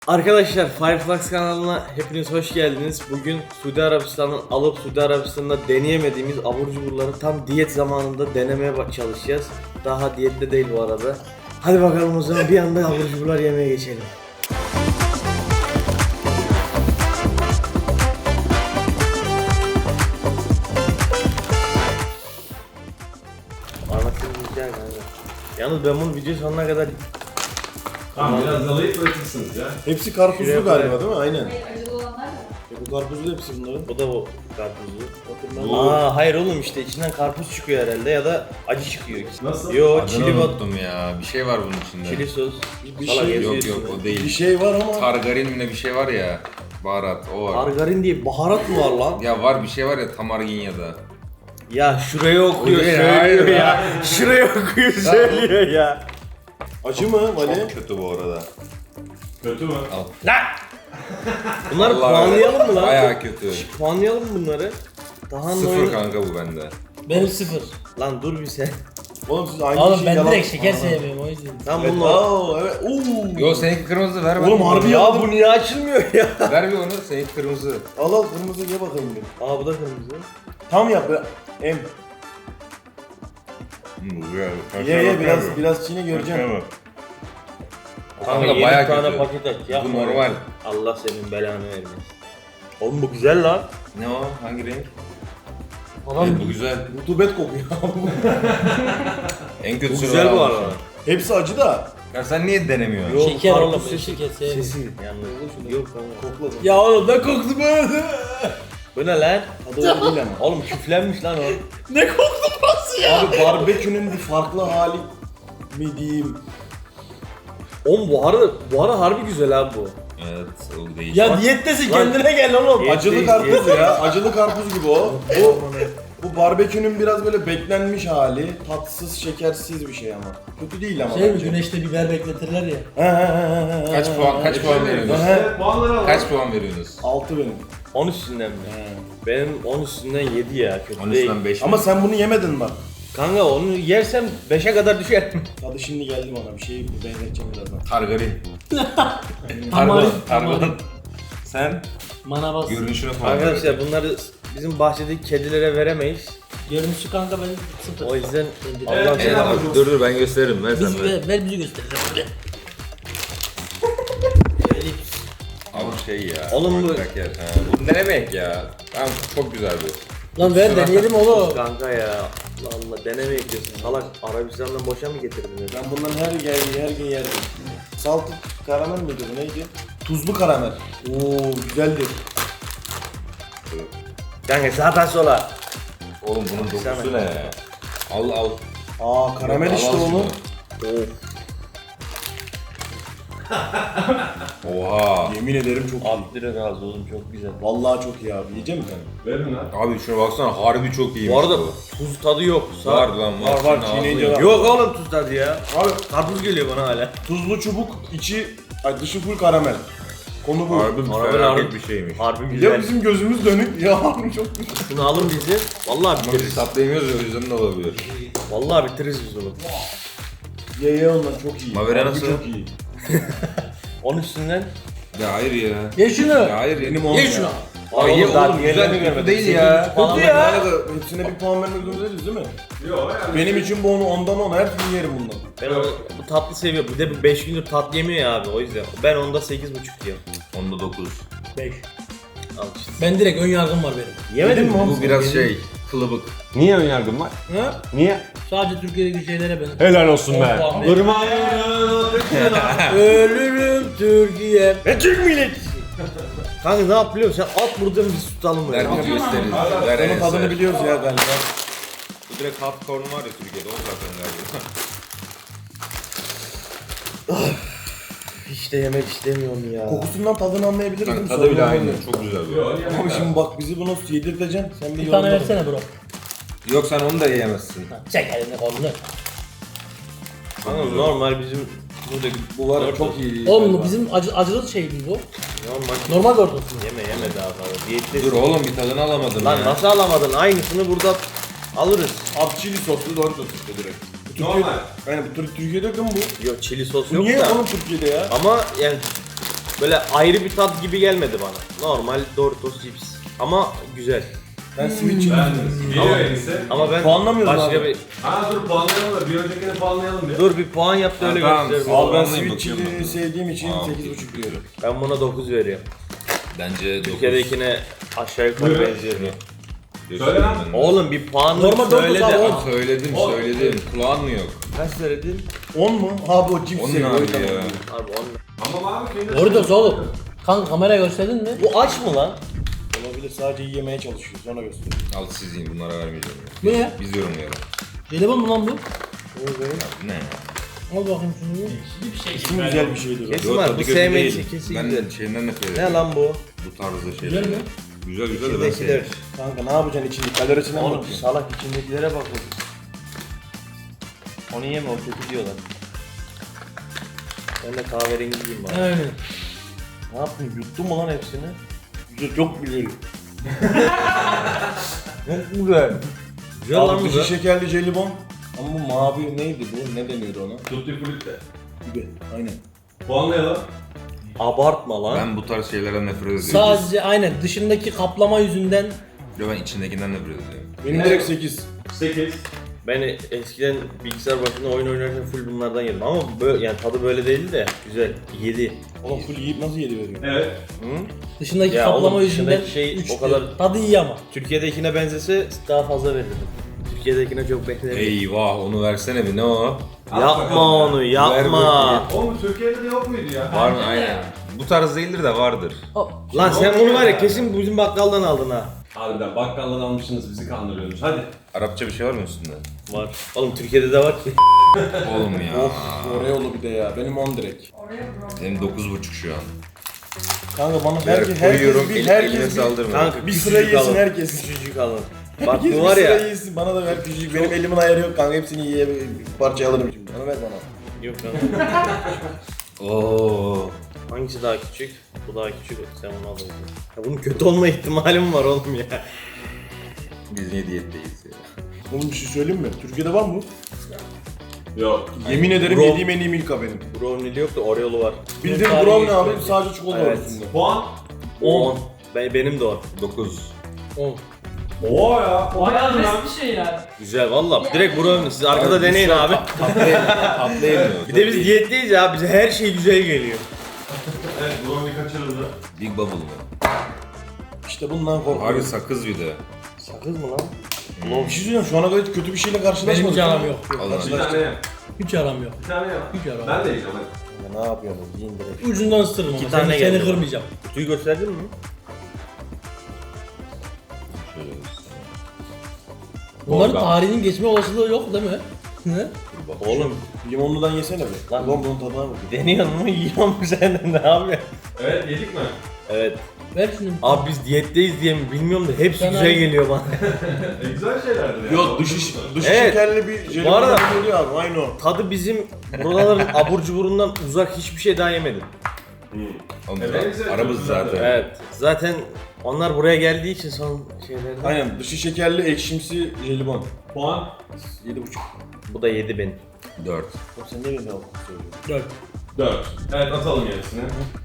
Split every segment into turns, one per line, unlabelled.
Arkadaşlar Fireflux kanalına hepiniz hoş geldiniz. Bugün Suudi Arabistan'dan alıp Suudi Arabistan'da deneyemediğimiz abur cuburları tam diyet zamanında denemeye çalışacağız. Daha diyette değil bu arada. Hadi bakalım o zaman bir anda abur cuburlar yemeye geçelim. Anlatayım güzel kanka. Yalnız ben bunu video sonuna kadar
Tamam biraz yalayıp bırakırsınız ya.
Hepsi karpuzlu
Şuraya
galiba
koyalım.
değil mi? Aynen.
Acılı olanlar da.
Bu karpuzlu hepsi bunların.
bu da o karpuzlu.
Bu-
Hayır oğlum işte içinden karpuz çıkıyor herhalde ya da acı çıkıyor.
Nasıl?
Yo
Adını
çili bat,
unuttum ya. Bir şey var bunun içinde.
çili sos.
Bir
Salak
şey-
yazıyor
Yok yok
üstünde.
o değil.
Bir şey var ama
Targarin mi ne bir şey var ya. Baharat o var.
Margarin diye baharat mı var lan?
Ya var bir şey var ya tamargin ya da.
Ya şuraya okuyor
Hayır,
söylüyor
hayır
ya. Şuraya okuyor söylüyor ya.
acı mı Vali?
Çok kötü bu arada.
Kötü mü?
Lan! Bunları
Vallahi
puanlayalım mı lan?
Bayağı kötü.
Puanlayalım mı bunları? Daha
Sıfır kanka bu bende.
Benim sıfır.
Lan dur bir sen.
Oğlum siz aynı
Oğlum
şeyi
ben
yalan...
direkt şeker
Aa.
sevmiyorum o yüzden.
Tam
Evet,
bunlar.
evet. Oo.
Yo seninki kırmızı ver
Oğlum harbi
Ya
ya.
bu niye açılmıyor ya?
Ver bir onu seninki kırmızı.
Al al kırmızı ye bakayım bir.
Aa bu da kırmızı.
Tam yap be. Em. Ye biraz çiğne göreceğim.
Kanka
yedi
bayağı
tane
kötü.
paket aç ya.
Bu normal.
Allah senin belanı vermesin. Oğlum bu güzel lan.
Ne o? Hangi renk?
Adam
Evet, bu güzel.
Rutubet kokuyor.
En
Bu
kötüsü
güzel bu
var
arada.
almışım.
Hepsi acı da.
Ya sen niye denemiyorsun?
Yok,
şeker
karpuz
oğlum ben
sesi-
şeker sevmiyorum.
Sesi yalnız. Yok kanka.
Kokladım.
Ya oğlum ne koktu böyle?
Bu ne lan?
Tadı öyle değil ama.
Oğlum küflenmiş lan o.
Ne koktu burası ya?
Abi barbekünün bir farklı hali mi diyeyim?
Oğlum bu ara harbi güzel abi bu.
Evet o değil.
Ya diyettesin
Lan-
kendine gel oğlum.
Diyet-
Acılı
değil,
karpuz
değil.
ya. Acılı karpuz gibi o. Bu barbekünün biraz böyle beklenmiş hali. Tatsız, şekersiz bir şey ama. Kötü değil ama.
Şey mi
bence.
güneşte biber bekletirler ya.
Kaç puan veriyorsunuz?
Evet, puanları alalım.
Kaç puan veriyorsunuz?
6 benim.
10 üstünden mi? Benim 10 üstünden 7 ya kötü
10
değil.
üstünden 5
Ama sen bunu yemedin bak.
Kanka onu yersem 5'e kadar düşer.
Tadı şimdi geldi bana. Bir şey benzeteceğim birazdan.
Targarin.
Tamarin.
Targarin. Sen
Mana bas.
görünüşüne falan.
Arkadaşlar bunları bizim bahçedeki kedilere veremeyiz.
Görünüşü kanka ben sıfır.
O yüzden
Evet,
Allah
Evet,
seni
abi, dur ben gösteririm ver sen
Biz
ver.
ver bizi göstereceğim.
Abi şey ya.
Oğlum bu-
bırak ya. Ha, bunu denemek ya. Tamam çok güzel bu.
Lan ver deneyelim oğlum.
kanka ya. Allah Allah deneme yapıyorsun. Salak Arabistan'dan boşa mı getirdin?
Ben bundan her gün yerdim. Salted karamel miydi bu neydi? Tuzlu karamel. Oo güzeldir.
Kanka sağdan sola.
Oğlum bunun
Baksana.
dokusu ne? Al al.
Aa karamel
Al,
işte
al
onu.
şunu.
Of.
Oha.
Yemin ederim çok iyi.
Abi direkt ağzı oğlum çok güzel.
Vallahi çok iyi abi. Yiyecek misin?
Verin lan.
Abi şuna baksana harbi çok iyiymiş
Bu arada
bu.
tuz tadı yok.
Var lan var.
var,
Şunun
çiğneyince
ağzı-
var.
Yok oğlum tuz tadı ya.
Abi
Karpuz geliyor bana hala.
tuzlu çubuk, dışı full karamel. Konu bu.
Harbi
Harbi,
felaket
harbi.
bir şeymiş.
Harbi
Ya
güzel.
bizim gözümüz dönük ya abi çok güzel.
Şunu alın bizi. Vallahi
Ama biz
bitiririz.
tatlı yemiyoruz ya o yüzden de olabilir.
Vallahi bitiririz biz onu.
Ye onlar çok iyi.
Mavera
Harbi
nasıl?
Çok iyi.
10 üstünden.
Ya hayır ya.
Ye şunu.
Ya hayır
Benim
ya.
on
Ye
ya.
şunu.
Ay ye
daha
oğlum
diğerini
güzel
görmedim.
kötü değil ya.
Kötü
Bu
ya.
arada hepsine bir puan vermek zorunda değiliz değil mi?
Yok yani.
Benim için bu onu ondan 10 her türlü yerim bundan.
Ben onu, bu tatlı seviyorum. Bir de bu 5 gündür tatlı yemiyor ya abi o yüzden. Ben onda 8,5 diyorum.
Onda 9.
5.
Al işte.
Ben direkt ön yargım var benim.
Yemedin mi oğlum?
Bu biraz şey kılıbık.
Niye ön yargın var?
Ha?
Niye?
Sadece Türkiye'deki şeylere ben.
Helal olsun
On
be.
puan
Durma.
Ölürüm Türkiye.
Ve Türk milleti. Kanka ne yap biliyor musun? Sen at buradan biz tutalım böyle.
Ver bir gösteririz. Ver
Onun
Enes
tadını
ver.
biliyoruz ya galiba.
Bu direkt half corn var ya Türkiye'de o zaten galiba.
Hiç de yemek istemiyorum ya.
Kokusundan tadını anlayabiliriz değil mi?
Tadı bile
Sorun
aynı.
olmuyor.
Çok güzel bu.
Yok
Ama
yani.
şimdi bak bizi bunu yedirteceksin. Sen bir
Bir tane
yorumla.
versene bro.
Yok sen onu da yiyemezsin.
Çek elini kolunu.
Kanka normal bizim buradaki
Bu var ya çok iyi.
Oğlum
galiba.
bu bizim acılı şey mi bu?
normal.
Normal gördün.
Yeme daha fazla. Diyetli.
Dur oğlum bir tadını alamadın
Lan
ya.
nasıl alamadın? Aynısını burada alırız.
Ab chili soslu Doritos işte direkt. Bu
Normal.
Yani bu Türkiye'de yok mu bu?
Yok çili sos
Bu
yok
niye
da.
oğlum Türkiye'de ya?
Ama yani böyle ayrı bir tat gibi gelmedi bana. Normal Doritos cips. Ama güzel.
Ben Switch'im.
Ben geliyor enişte.
Ama ben
Puanlamıyoruz
başka
abi.
bir...
Ha dur puanlayalım da bir öncekini puanlayalım bir.
Dur bir puan yap da öyle
Tamam,
gösterelim.
Abi ben
Puanlayayım,
Switch'i
bakıyorum.
sevdiğim için
Aa,
8.5 diyorum.
Ben buna 9 veriyorum.
Bence 9.
Türkiye'dekine aşağı yukarı
Buyurun.
benziyor.
Söyle lan.
Oğlum bir puanlı
Normal
söyle
Doritos
de.
abi,
Ah,
Söyledim
O-
söyledim. Kulağın mı yok?
Kaç söyledin?
10 mu? Abi o cips
Onun
seviyor.
abi
o yüzden
ya.
diyorum.
Abi 10.
Ama abi kendi.
Doritos oğlum. Kanka kameraya gösterdin mi?
Bu aç mı lan?
Olabilir, sadece yemeye çalışıyor. Sonra gösteriyor.
Al siz yiyin, bunlara vermeyeceğim.
Bu ne?
Biz yorumlayalım.
Jelibon mu lan bu?
Ne ya?
Al bakayım şunu.
İsmi güzel bir şeydir o.
Kesin
Yok,
var.
tadı
Bu
kötü
sevmeyi
değil.
kesin
Ben
güzel.
şeyinden nefret
Ne
ediyorum.
lan bu?
Bu tarzda şeyler.
Güzel mi?
Güzel güzel de ben
İçindekiler.
sevmiyorum.
Kanka ne yapacaksın içinde? Kalorisine mi
Oğlum
bakıyorsun?
salak içindekilere bak oğlum. Onu yeme o kötü diyorlar. Ben de kahverengiyim bari.
Aynen.
Ne yapayım? Yuttun mu lan hepsini? Güzel, çok güzel.
Çok güzel. Güzel lan
Abi
bu
dışı
da.
şekerli jelibon. Ama bu mavi neydi bu? Ne deniyordu ona?
Tutti frutti.
Gibi. Aynen.
Puanlayalım.
Abartma lan.
Ben bu tarz şeylerden nefret ediyorum.
Sadece aynen dışındaki kaplama yüzünden
Yo, ben içindekinden nefret ediyorum.
Benim direkt 8.
8.
Ben eskiden bilgisayar başında oyun oynarken full bunlardan yedim ama böyle yani tadı böyle değildi de güzel. 7.
Oğlum full yiyip nasıl 7 veriyor?
Evet.
dışındaki
Ya
kaplama
oğlum,
yüzünden
dışındaki şey
3
o kadar-
Tadı iyi ama.
Türkiye'dekine benzese daha fazla verirdim. Türkiye'dekine çok beklerim.
Eyvah, onu versene bir, ne o?
Al
Yapma
bakalım
onu
Ver
yapma.
bakayım.
Oğlum Türkiye'de de yok muydu ya?
Var mı? Aynen. Bu tarz değildir de vardır.
Lan sen bunu var ya kesin bizim bakkaldan aldın ha.
Harbiden bakkaldan almışsınız bizi kandırıyorsunuz. Hadi.
Arapça bir şey var mı üstünde?
Var. Oğlum Türkiye'de de var ki.
Oğlum ya.
Of, Oreo'lu bir de ya. Benim 10 direkt.
Benim 9,5 şu an.
Kanka bana
Koyuyorum,
herkes
eline
bir
saldırma.
Kanka
bir
küçücük
sıra yesin
alın.
herkes.
Küçücük alın. Bak
Herkes
bu
bir
var
sıra
ya.
yesin. Bana da ver küçücük. Benim elimin ayarı yok kanka. Hepsini bir parçaya alırım şimdi. Bana ver bana.
Yok lan.
Oo.
Hangisi daha küçük? Bu daha küçük. Sen onu al. Ya bunun kötü olma ihtimalim var oğlum ya.
Biz niye diyetteyiz ya?
Oğlum bir şey söyleyeyim mi? Türkiye'de var mı bu?
Yok.
Yemin ederim
Bro-
yediğim en iyi Milka benim.
Brownie'li yok da Oreo'lu var.
Bildiğin
Tarihi
brownie abi
geçti.
sadece çikolata var
Evet.
üstünde.
Puan.
10. Benim de o.
9.
10.
Oo ya.
Bayağı net bir şey yani.
Güzel valla. Direkt brownie. Siz arkada deneyin abi.
Tatlı yemiyor.
Bir de biz diyetteyiz ya. Bize her şey güzel geliyor.
Evet brownie kaçırıldı.
Big Bubble mı?
İşte bundan
Harbi
korkuyorum.
sakız bir de.
Sakız mı lan?
Bir şey söyleyeyim şu ana kadar hiç kötü bir şeyle karşılaşmadık.
Benim hiç aram yok.
Allah
Bir tane ye.
Hiç aram yok.
Bir tane ye.
Hiç aram.
Ben de yiyeceğim hadi.
Ya ne yapıyorsunuz? Yiyin direkt.
Ucundan ısırırım ama
tane
seni
geldi.
kırmayacağım.
Kutuyu gösterdin mi?
Şöyle göstereyim.
Bunların
Organ.
tarihinin geçme olasılığı yok değil mi? Ne?
Dur bak.
Oğlum
Limonludan yesene bir.
Lan.
Ulan bunun tadına bak.
deniyor mu? Yiyor mu sen de ne yapıyorsun?
Evet yedik mi?
Evet.
Ver şunu.
Abi biz diyetteyiz diye mi bilmiyorum da hepsi
Sen
güzel
abi-
geliyor bana.
Güzel şeylerdi ya.
Yok dışı
Evet.
şekerli bir jelibon
Bu arada-
geliyor abi aynı o.
Tadı bizim buraların abur cuburundan uzak hiçbir şey daha yemedim.
Oğlum
Evet, güzel,
aramız
çok güzel.
zaten.
Evet. Zaten onlar buraya geldiği için son şeylerden.
Aynen dışı şekerli ekşimsi jelibon.
Puan.
7.5.
Bu da 7 benim.
4.
Oğlum sen niye beni söylüyorsun?
4.
4. Evet atalım gerisini.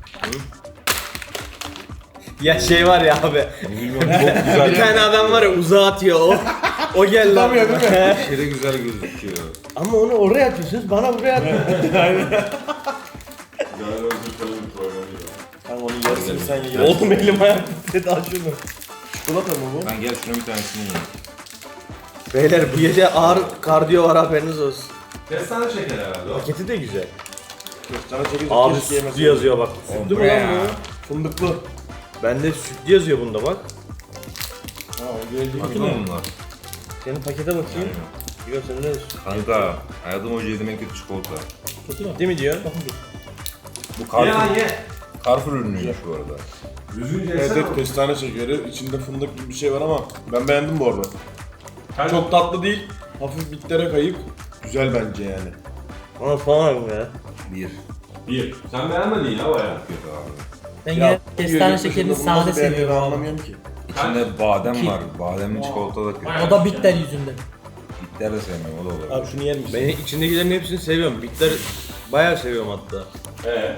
Ya şey var ya abi.
Bilmiyorum, çok güzel.
Bir tane adam var ya uzağa atıyor o. O gel lan.
Tutamıyor değil mi?
Aşırı güzel gözüküyor.
Ama onu oraya atıyorsunuz bana buraya atıyorsunuz.
Galiba özür kalın bir program gibi.
Kanka onun yarısını sen ye.
Oğlum elim ayağım titredi al şunu.
Çikolata mı bu?
Ben gel şuna bir tanesini yiyeyim.
Beyler bu gece ağır kardiyo var haberiniz olsun.
Kestane şeker herhalde o.
Paketi de güzel.
Sana çekici
Abi
keşke yemeseydim.
sütlü yazıyor bak.
Oğlum
Sütlü
bu
mü
ne
lan
ya?
bu?
Fındıklı.
Bende sütlü yazıyor bunda bak.
Ha o geldi
Bakın
mi?
bunlar.
Senin pakete bakayım. Yok sen ne diyorsun?
Kanka, hayatım hoca yediğim en kötü çikolata.
Kötü mü?
Değil mi diyor?
Bakın bir.
Bu
Ye lan
Carrefour,
ye.
Carrefour ürünüymüş bu arada.
Düzgünce
Evet
yesene.
evet kestane şekeri. İçinde fındık gibi bir şey var ama ben beğendim bu arada.
Kaç?
Çok tatlı değil. Hafif bitlere kayıp. Güzel bence yani.
Ama falan ya.
1.
1. Sen beğenmedin ya bayağı.
Kötü abi.
Ben
Ya,
yine kestane
yurt dışında
şekerini
bunu nasıl
sade
beğendiğini
seviyorum.
anlamıyorum ki.
İçinde badem
İki.
var. Bademli çikolata da kötü.
O da bitter yüzünden.
Bitter de sevmem, o da olur.
Abi şunu yer misin?
Ben içindekilerin hepsini seviyorum. Bitter bayağı seviyorum hatta.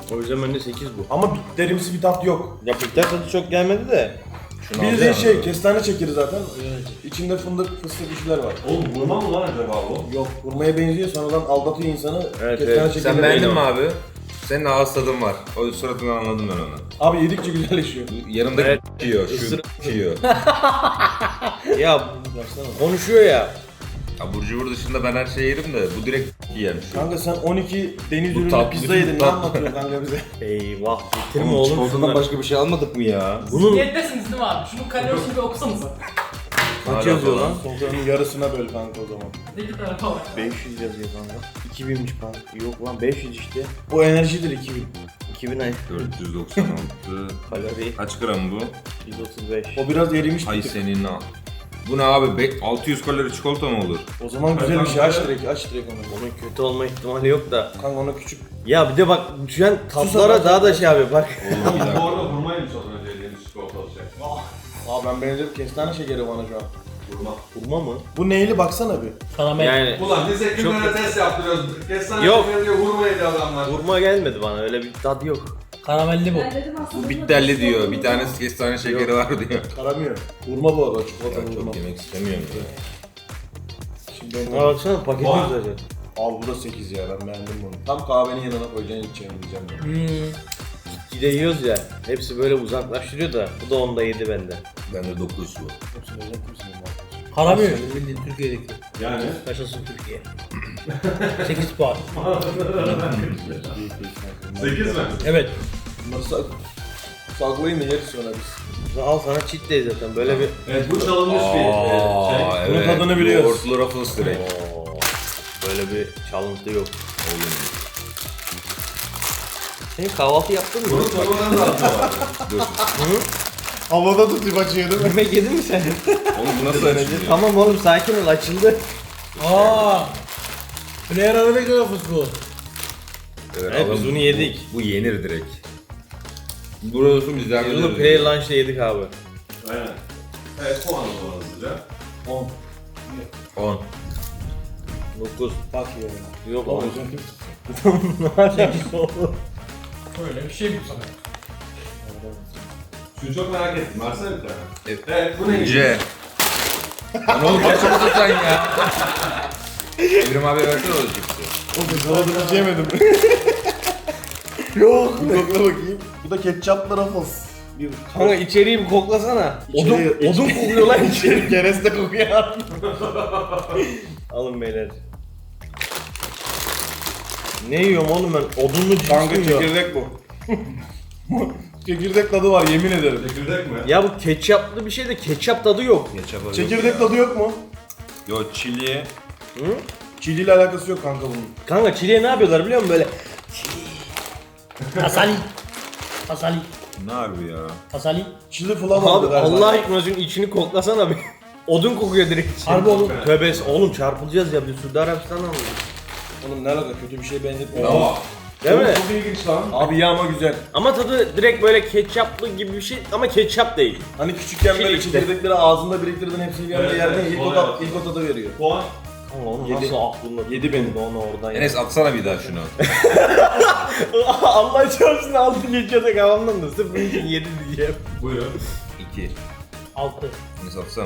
O yüzden bende 8 bu.
Ama bitlerimsi bir tat yok.
Ya bitter tadı çok gelmedi de.
Şunu
Bildiğin
alacağım.
şey kestane şekeri zaten. İçinde fındık, fıstık bir şeyler var.
Oğlum vurma mı lan acaba bu?
Yok, hurmaya benziyor, sonradan aldatıyor insanı.
Evet,
kestane
evet.
şekeri.
Sen beğendin mi abi? Senin ağız tadın var. O suratından anladım ben onu.
Abi yedikçe güzelleşiyor.
Yanındaki
Evet.
yiyor, şu
Isır-
yiyor.
Ya
Baksana.
konuşuyor ya.
Abur cubur dışında ben her şeyi yerim de bu direkt yiyen şu.
Kanka sen 12 deniz
Bu
ürünlü
tat-
pizza
bütün
yedin, ne
tat-
anlatıyorsun kanka bize?
Eyvah bitirme oğlum şunları.
başka bir şey almadık mı ya?
Bunun
Niyettesiniz değil mi abi? Şunun kalorisini bir okusanıza.
kaç yazıyor lan?
Sofranın yarısına böl kanka o zaman.
İki tarafa var.
500 yazıyor kanka. 2000'miş kanka. Yok lan 500 işte.
O enerjidir 2000.
2000 ay
496.
kalori.
Kaç gram bu?
135.
O biraz erimiş
Ay
bir tık.
senin al. Bu ne abi? 600 kalori çikolata mı olur?
O zaman güzel bir şey, aç direkt onu.
Onun kötü olma ihtimali yok da.
Kanka ona küçük.
Ya bir de bak düşen tatlara daha da şey abi bak.
Oğlum bir
Bu
dakika.
arada vurmayı mı satın önce yediğimiz çikolata olacak?
Aa ben benzer kestane şekeri bana şu an.
Vurma.
Vurma mı?
Bu neyli baksana bir.
Karamel.
Yani
Ulan biz hekimlere
Çok-
test yaptırıyoruz. Kestane
Yok.
şekeri diyor vurma yedi adamlar.
vurma gelmedi bana öyle bir tat yok.
Karamelli bu.
Ben dedim aslında
Bu bitterli diyor. Bir tanesi kestane şekeri var diyor.
Karamıyor. Vurma bu arada çikolata
Ya
vurma.
çok yemek istemiyorum ya.
Şimdi
Ha
ben...
baksana paketi
Vay.
güzel.
Abi bu da 8 ya, ben beğendim bunu. Tam kahvenin yanına koyacaksın, içeceğim diyeceğim ya.
Bir de yiyoruz ya. Hepsi böyle uzaklaştırıyor da bu da onda yedi bende.
Bende 9 bu.
Hepsini özel misin ya?
Karamel. Bildiğin Türkiye'deki.
Yani.
Yaşasın Türkiye. 8 puan.
8 mi?
Evet.
Bunları saklayın da yeriz sonra biz.
Al sana cheat day zaten böyle bir...
Evet bu çalınmış bir şey.
Aa,
Bunun
evet.
tadını biliyoruz.
Yoğurtlu Ruffles direkt.
Oo, böyle bir çalıntı yok.
Oğlum.
Senin kahvaltı yaptın mı?
Bunu sonradan da atıyorlar.
Dur.
Havada tutup açıyor değil mi?
Yemek yedin mi sen?
Oğlum bu nasıl açılıyor?
Tamam oğlum sakin ol açıldı.
Aa. Player Arabic Rufus bu.
Evet, biz bunu yedik.
Bu yenir direkt. Burası bizden
Biz bunu play lunch'ta yedik abi.
Aynen. Evet puan o zaman hızlıca.
10.
10.
9.
Bak ya.
Yok
Tamam,
oğlum.
Böyle bir şey bu sana.
Şunu çok merak ettim. Versene bir tane.
Evet.
Evet bu neydi?
C. Lan oğlum kaç oldu sen ya? Evrim abi versene o cipsi.
O güzel hiç yemedim. Yok. Bir kokla bakayım. Bu da ketçaplı Ruffles. Bir
Kanka içeriği bir koklasana.
İçeri-
Odun kokuyor lan içeri.
içeri kereste kokuyor.
Alın beyler. Ne yiyorum oğlum ben? Odunlu cips
Kanka
mi yiyorum?
çekirdek bu. Çekirdek tadı var, yemin ederim.
Çekirdek mi?
Ya bu ketçaplı bir şey de ketçap tadı yok.
Çekirdek tadı yok mu?
Yo çili.
Hı?
Çili ile alakası yok kanka bunun.
Kanka çileğe ne yapıyorlar biliyor musun böyle?
Asali. Asali.
Ne harbi ya?
Asali.
Çili falan
Abi
galiba.
Allah aşkına şunun içini koklasana bir. Odun kokuyor direkt.
Harbi oğlum.
Tövbe oğlum çarpılacağız ya bir Suudi Arabistan'dan aldık.
Oğlum ne alaka, kötü bir şey benzetmiyor.
Aa.
Değil mi?
Çok ilginç lan.
Abi ya ama güzel.
Ama tadı direkt böyle ketçaplı gibi bir şey ama ketçap değil.
Hani küçükken böyle
Çili işte.
çekirdekleri ağzında biriktirdin, hepsini bir anda
Evet,
yerdin,
evet,
ilk,
kolay
o tat,
yaptın.
ilk o tadı veriyor.
Puan.
Kanka onu
Yedi.
nasıl aklında?
Yedi benim.
Onu oradan
Enes atsana bir daha şunu.
Allah çarpsın altı geçiyor da kafamdan da sırf bunun için 7 diyeceğim.
Buyurun.
2.
6.
Enes atsana.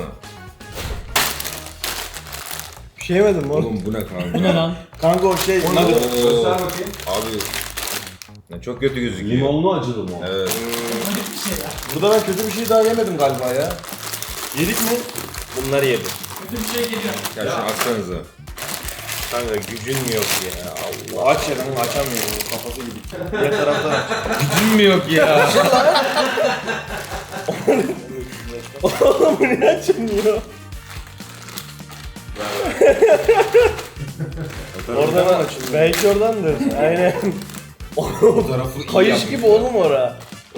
Bir şey yemedim oğlum.
Oğlum bu ne kanka?
Bu ne lan?
Kanka o şey,
Onu
nugget.
göster bakayım.
Abi. Ya çok kötü gözüküyor.
Limonlu acılı mı?
Evet.
Böyle bir şey ya.
Burada ben kötü bir şey daha yemedim galiba ya. Yedik mi?
Bunları yedim.
Kötü bir şey geliyor.
Ya şunu atsanıza.
Kanka gücün mi yok ya Allah.
Aç ya, ben açamıyorum, kafası gidik. Diğer taraftan aç.
Gücün mü yok ya?
Oğlum bu ne açılmıyor?
Oradan açılıyor.
Belki oradandır. Aynen.
O tarafı iyi
Kayış
yapmış
gibi
ya.
oğlum ora. Oo.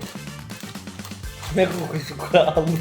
Ne kokusu aldın?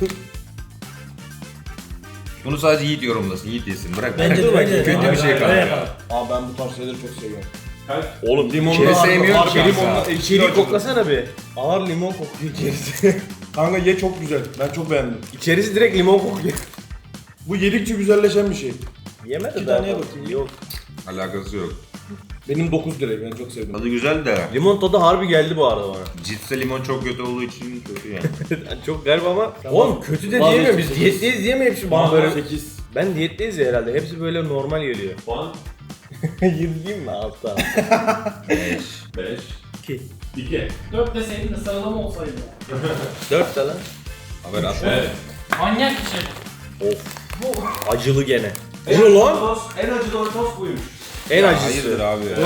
Bunu sadece Yiğit yorumlasın. Yiğit yesin. Bırak.
Bence de bence de.
Kötü bir şey
Öyle
kanka.
yapalım.
Aa ben bu tarz şeyleri çok seviyorum.
Kaç?
Oğlum limonlu
İçeri sevmiyorum ki
limonlu
kanka.
İçeriği koklasana bir. Ağır limon kokuyor içerisi.
Kanka ye, çok güzel. Ben çok beğendim.
İçerisi direkt limon kokuyor.
Bu yedikçe güzelleşen bir şey.
Yemedi
İki
daha
taneye
fazla.
bakayım.
Yok.
Alakası yok.
Benim 9 direkt, ben çok sevdim.
Tadı güzel de.
Limon tadı harbi geldi bu arada bana.
Cipse limon çok kötü olduğu için kötü yani.
Çok garip ama.
Tamam.
Oğlum kötü de
Vazgeçtim.
diyemiyorum, biz diyetteyiz diye mi hepsi bana böyle.
8.
Ben diyetteyiz ya herhalde, hepsi böyle normal geliyor.
Puan
7 değil mi? 6.
5.
5.
2.
2.
4 deseydin de sıralama olsaydı.
4 de lan.
Haber atma.
Evet.
Manyak bir şey.
Of. Acılı gene. Bu lan.
En acı Doritos buymuş.
En
Ya
acısı.
hayırdır abi ya.
Dur.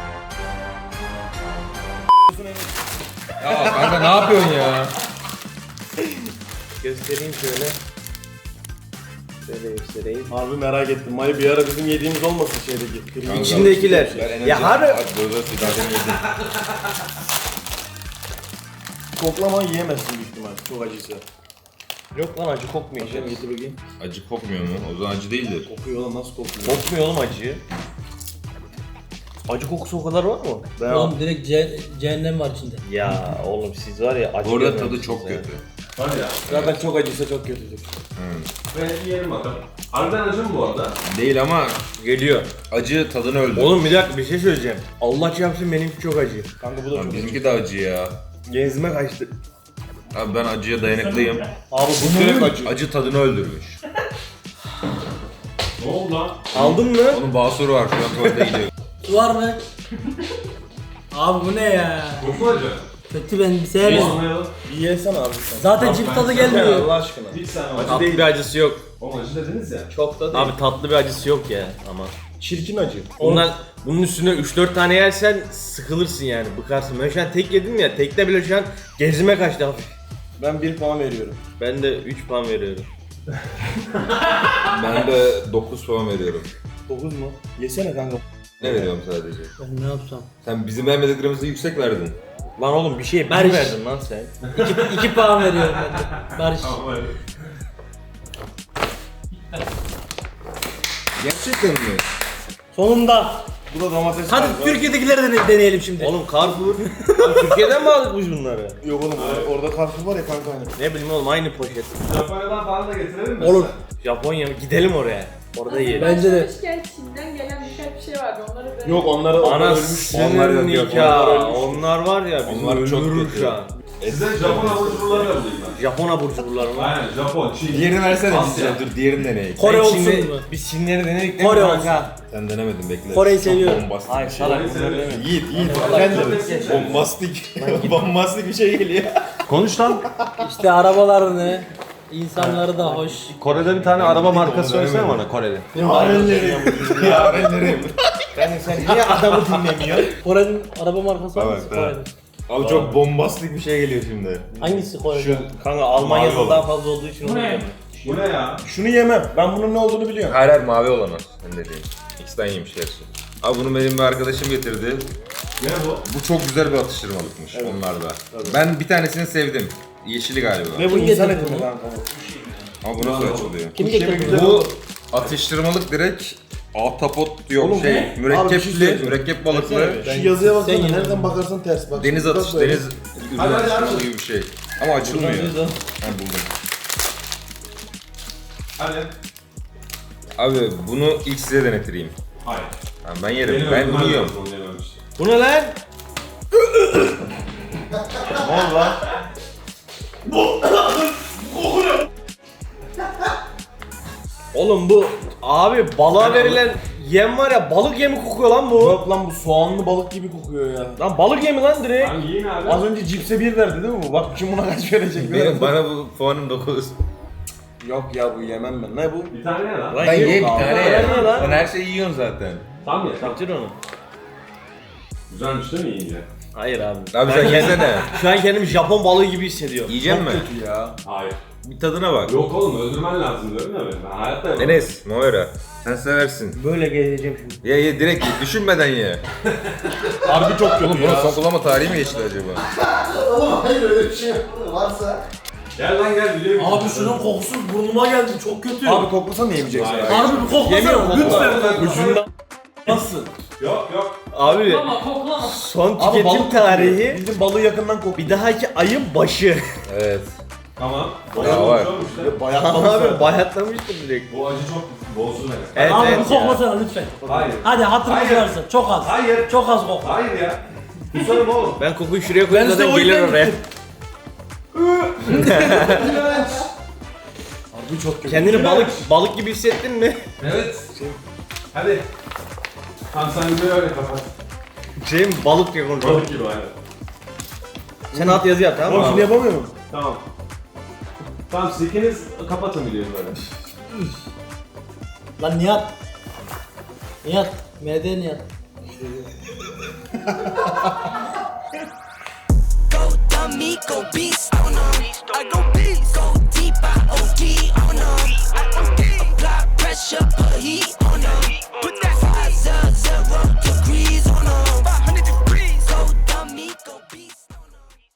Ya kanka ne yapıyorsun ya?
Göstereyim şöyle. Şöyle göstereyim.
Harbi merak ettim. Mayı bir ara bizim yediğimiz olmasın şeydeki.
Kanka,
İçindekiler.
ben enerji-
Ya harbi.
Bak burada sigara yedim.
Koklama yiyemezsin büyük ihtimal. Çok acıysa.
Yok lan, acı kokmuyor.
Şöyle getir bakayım.
Acı kokmuyor mu? O zaman acı değildir.
Kokuyor oğlum, nasıl kokuyor?
Kokmuyor oğlum acıyı. Acı kokusu o kadar var mı?
Oğlum direkt cehennem var içinde.
Ya oğlum siz var ya acı
Bu arada tadı
görmemişsiniz
çok
ya.
kötü.
Hadi ya.
Zaten çok acıysa çok kötüdür.
Ve yiyelim bakalım. Harbiden acı mı bu arada?
Değil ama
Geliyor.
acı tadını öldü.
Oğlum bir dakika, bir şey söyleyeceğim. Allah çarpsın benimki çok acı.
Kanka bu da
Lan
çok acı.
bizimki de acı ya.
Genzime kaçtı.
Abi ben acıya dayanıklıyım.
Abi bu direkt acı.
Acı tadını öldürmüş.
Ne oldu lan?
Aldın mı?
Onun basuru var şu an tuvalete gidiyor.
Su var mı? Abi bu ne ya?
Çok mu acı?
Kötü, ben sevmiyorum.
Olmayalım.
Bir yesene abi sen.
Zaten cips tadı gelmiyor.
Allah aşkına.
Hiç sen
Tatlı
acı değil.
bir acısı yok.
Oğlum acı dediniz ya.
Çok da değil.
Abi tatlı bir acısı yok ya ama.
Çirkin acı.
Bunun üstüne 3-4 tane yersen sıkılırsın yani, bıkarsın. Ben şu an tek yedim ya, tekte bile şu an genzime kaçtı hafif.
Ben 1 puan veriyorum.
Ben de 3 puan veriyorum.
Ben de 9 puan veriyorum.
9 mu? Yesene kanka.
Ne veriyorum sadece?
Ben ne yapsam?
Sen bizim beğenmediklerimizi yüksek verdin.
Lan oğlum bir şeye
Barış.
bir verdin lan sen.
2 puan veriyorum ben de. Barış.
Tamam hadi.
Gerçekten mi?
Sonunda.
Bu da domates.
Hadi
kanka.
Türkiye'dekileri de deneyelim şimdi.
Oğlum Carrefour. Lan Türkiye'den mi aldık biz bunları?
Yok oğlum orada karpuz var ya kanka hani.
Ne bileyim oğlum, aynı poşet.
Japonya'dan falan da getirelim mi?
Olur.
Japonya mı? Gidelim oraya. Orada yiyelim.
Bence de.
Başlamışken Çin'den gelen birkaç bir şey vardı. Onları da...
Yok onları
Ana
onlar ölmüş.
Onlar
sınır
yok, yok,
nikah.
onlar ölmüş.
Onlar var ya, bizi
Onlar çok
öldürür
kötü.
şu an.
Size Japon avuçluları yollayayım ben.
Japon abur cuburları mı?
Aynen Japon, Çin.
Diğerini versene
Asya.
bize. Dur diğerini deneyelim.
Kore
Ben
olsun
Çin'i-
mu?
Biz Çinleri denedik değil
Kore
mi
olsun.
kanka?
Sen denemedin bekle.
Kore'yi
Çok
seviyorum.
bombastik
Ay
bir şey.
salak
Kore'yi
bunları
seviyorum.
deme.
Yiğit, Yiğit.
Vallahi
Sen
çok
de
eski.
bombastik. Bombastik bir şey geliyor.
Konuş lan.
İşte arabalarını, insanları da hoş.
Kore'de bir tane araba markası söylesene bana, Kore'de.
Yarenlerim.
Yani sen niye adamı dinlemiyorsun?
Kore'nin araba markası
Bak,
hangisi
bak.
Kore'nin?
Abi çok bombastik bir şey geliyor şimdi.
Hangisi Kore'nin?
Kanka Almanya'da
Mavi
daha
olan.
fazla olduğu için
Bu
onu
ne?
demiyorum.
Bu ne ya?
Şunu yemem. Ben bunun ne olduğunu biliyorum.
Hayır hayır mavi olan o. Sen dediğin. İkisinden yemiş gerçi. Abi bunu benim bir arkadaşım getirdi.
Ne bu?
Bu çok güzel bir atıştırmalıkmış onlarda. Ben bir tanesini sevdim. Yeşili galiba.
Ne bu
Kim
insan
getirdi
eti mi
bunu?
kanka?
Ama bu nasıl açılıyor?
Kim getirdi bunu?
Bu atıştırmalık direkt ahtapot yok
Oğlum,
şey
abi bir şey
mürekkepli,
söyleyeceğim.
mürekkep balıklı
Şu yazıya baksana,
Sen
nereden
yedin.
bakarsan ters bak.
deniz
Bak
atış
böyle.
deniz ürün
Hadi, hadi,
atıştırması
hadi.
gibi bir şey. Ama açılmıyor.
Buradan
Ben buldum.
Hadi.
Abi bunu ilk size denetireyim.
Hayır.
Tamam, ben yerim.
Benim
Ben
öldürmem
bunu yiyorum.
lazım, onu yememiş.
Bu ne lan? Ne oldu lan? Oğlum bu abi balığa verilen yem var ya, balık yemi kokuyor lan bu.
Yok lan bu soğanlı balık gibi kokuyor ya.
Lan balık yemi lan direkt.
Lan yiyin abi.
Az önce cipse 1 verdi değil mi bu? Bak şimdi buna kaç verecek?
Benim, bana bu puanım 9.
Yok ya bu yemem ben. Ne bu?
Bir tane ye lan.
Lan
Ben
yok
ye bir
abi.
tane
Lan
ya.
ye lan.
Sen her şeyi yiyorsun zaten.
Tam ye. Tam.
Bitir onu.
Güzelmiş değil mi yiyince?
Hayır abi.
Abi sen yesene.
Şu an kendimi Japon balığı gibi hissediyorum.
Yiyecek mi?
Kötü ya.
Hayır.
Bir tadına bak.
Yok oğlum öldürmen lazım diyorum ya ben. Ben hayatta yapamam.
Enes, Moira. Sen seversin.
Böyle gezeceğim şimdi.
Ye direkt ye. Düşünmeden ye.
Harbi çok kötü
Oğlum bunun
ya.
son kullanma tarihi mi geçti acaba?
Gel lan gel biliyorum.
Abi şunun kokusu burnuma geldi, çok kötü.
Abi koklasana yemeyeceksin.
Hayır.
abi.
Harbi bir
Yemiyorum,
koklasana
kokla.
lütfen.
Ucunda.
Nasıl?
Yok yok.
Abi
Koklama koklama.
son
Abi
tüketim
balık
tarihi
Bildiğin balığı yakından kokuyor.
bir dahaki ayın başı.
Evet.
Tamam.
Ya var.
Olmuş işte.
Bayat
Abi bayatlamıştır direkt.
Bu acı çok Bozdu beni.
Evet
Abi
evet
bir
ya.
koklasana lütfen.
Hayır.
Hadi hatırımız
Hayır.
varsa. Çok az.
Hayır.
Çok az kokla.
Hayır ya. Kusarım oğlum.
Ben kokuyu şuraya koyayım
Ben size
zaten
o
gelir
yüzden
oraya.
gittim.
Harbi çok kötü.
Kendini balık gibi hissettin mi?
Evet.
Hadi. Tamam sen bir öyle kapat.
Şey mi balık diye konuşuyor.
Balık gibi aynen.
Sen alt yazı yap tamam mı?
Oğlum şimdi
abi?
yapamıyor mu?
Tamam. Tamam siz ikiniz kapatın videoyu böyle.
Lan Nihat. Nihat. MD Nihat.
Go dummy, go beast on 'em.